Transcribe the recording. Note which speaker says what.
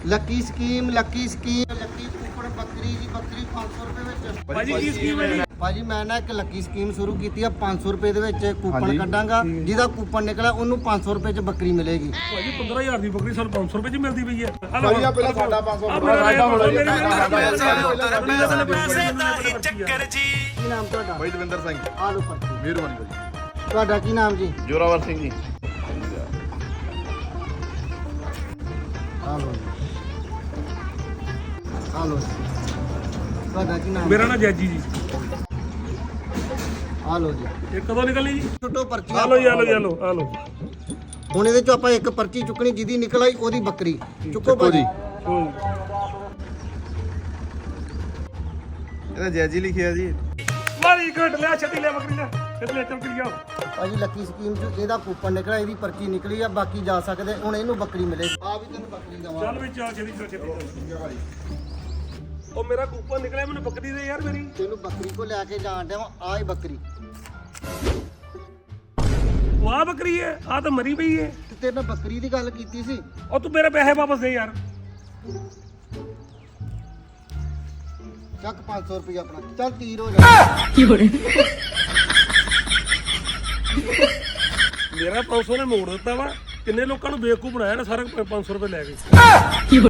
Speaker 1: Lucky scheme Lucky coupon ਬੱਕਰੀ ਜੀ, ਬੱਕਰੀ 500 ਰੁਪਏ ਵਿੱਚ।
Speaker 2: ਭਾਜੀ ਕੀ ਸਕੀਮ ਹੈ ਜੀ?
Speaker 1: ਭਾਜੀ ਮੈਂ ਨਾ ਇੱਕ ਲੱਕੀ ਸਕੀਮ ਸ਼ੁਰੂ ਕੀਤੀ ਆ। 500 ਰੁਪਏ ਦੇ ਵਿੱਚ ਕੂਪਨ ਕੱਢਾਂਗਾ, ਜਿਹਦਾ ਕੂਪਨ ਨਿਕਲਿਆ ਉਹਨੂੰ 500 ਰੁਪਏ 'ਚ ਬੱਕਰੀ ਮਿਲੇਗੀ।
Speaker 2: ਭਾਜੀ 15000 ਦੀ ਬੱਕਰੀ ਸਾਨੂੰ 500 ਰੁਪਏ 'ਚ ਮਿਲਦੀ ਪਈ ਹੈ।
Speaker 3: ਭਾਜੀ ਆ ਪਹਿਲਾਂ ਸਾਡਾ 500
Speaker 2: ਕੀ
Speaker 1: ਨਾਮ ਤੁਹਾਡਾ?
Speaker 3: ਭਾਈ ਦਵਿੰਦਰ ਸਿੰਘ।
Speaker 1: ਆ ਲਓ ਪਰਚੀ।
Speaker 3: ਮਿਹਰਬਾਨੀ ਭਾਜੀ।
Speaker 1: ਤੁਹਾਡਾ ਕੀ ਨਾਮ ਜੀ?
Speaker 3: ਜੋਰਾਵਰ ਸਿੰਘ ਜੀ।
Speaker 1: ਆ ਲਓ ਆ ਲਓ। ਤੁਹਾਡਾ ਕੀ ਨਾਮ?
Speaker 2: ਮੇਰਾ ਨਾਮ ਜੈਜੀ ਜੀ।
Speaker 1: ਆ ਲਓ ਜੀ।
Speaker 2: ਇਹ ਕਦੋਂ ਨਿਕਲਣੀ ਜੀ?
Speaker 1: ਛੋਟੋ ਪਰਚੀ
Speaker 2: ਆ ਲਓ ਜੀ, ਆ ਲਓ ਜੀ, ਆ ਲਓ, ਆ ਲਓ।
Speaker 1: ਹੁਣ ਇਹਦੇ ਚੋਂ ਆਪਾਂ ਇੱਕ ਪਰਚੀ ਚੁੱਕਣੀ, ਜਿਹਦੀ ਨਿਕਲ ਆਈ ਉਹਦੀ ਬੱਕਰੀ ਚੁੱਕੋ ਭਾਜੀ।
Speaker 3: ਇਹਦਾ ਜੈਜੀ ਲਿਖਿਆ ਜੀ।
Speaker 2: ਮਾਰੀ ਘਟ ਲਿਆ, ਛੱਡੀ ਲਿਆ ਬੱਕਰੀ ਲਿਆ, ਛੱਡ ਲਿਆ, ਚੱਲ ਕਰੀ ਜਾਓ।
Speaker 1: ਭਾਜੀ ਲੱਕੀ ਸਕੀਮ 'ਚ ਇਹਦਾ ਕੂਪਨ ਨਿਕਲਿਆ, ਇਹਦੀ ਪਰਚੀ ਨਿਕਲੀ ਆ, ਬਾਕੀ ਜਾ ਸਕਦੇ। ਹੁਣ ਇਹਨੂੰ ਬੱਕਰੀ ਮਿਲੇਗੀ। ਆ ਵੀ ਤੈਨੂੰ ਬੱਕਰੀ
Speaker 2: ਚੱਲ
Speaker 1: ਦਵਾਂ।
Speaker 2: ਵਿੱਚ ਆ ਛੇਤੀ ਉਹ ਮੇਰਾ ਕੂਪਨ ਨਿਕਲਿਆ, ਮੈਨੂੰ ਬੱਕਰੀ ਦੇ ਯਾਰ ਮੇਰੀ।
Speaker 1: ਤੈਨੂੰ ਬੱਕਰੀ ਕੋ ਲੈ ਕੇ ਜਾਣ ਡਿਆ ਆ ਹੀ ਬੱਕਰੀ।
Speaker 2: ਉਹ ਆ ਬੱਕਰੀ ਹੈ, ਆ ਤਾਂ ਮਰੀ ਪਈ ਹੈ।
Speaker 1: ਤੇ ਤੇਰੇ ਨਾਲ ਬੱਕਰੀ ਦੀ ਗੱਲ ਕੀਤੀ ਸੀ।
Speaker 2: ਉਹ ਤੂੰ ਮੇਰੇ ਪੈਸੇ ਵਾਪਸ ਦੇ ਯਾਰ।
Speaker 1: ਚੱਕ 500 ਰੁਪਏ ਆਪਣਾ, ਚੱਲ ਤੀਰ ਹੋ ਜਾ।
Speaker 2: ਮੇਰਾ 500 ਨੇ ਮੋੜ ਦਿੱਤਾ ਵਾ। ਕਿੰਨੇ ਲੋਕਾਂ ਨੂੰ ਬੇਵਕੂਫ ਬਣਾਇਆ ਨਾ, ਸਾਰਾ 500 ਰੁਪਏ ਲੈ ਗਏ।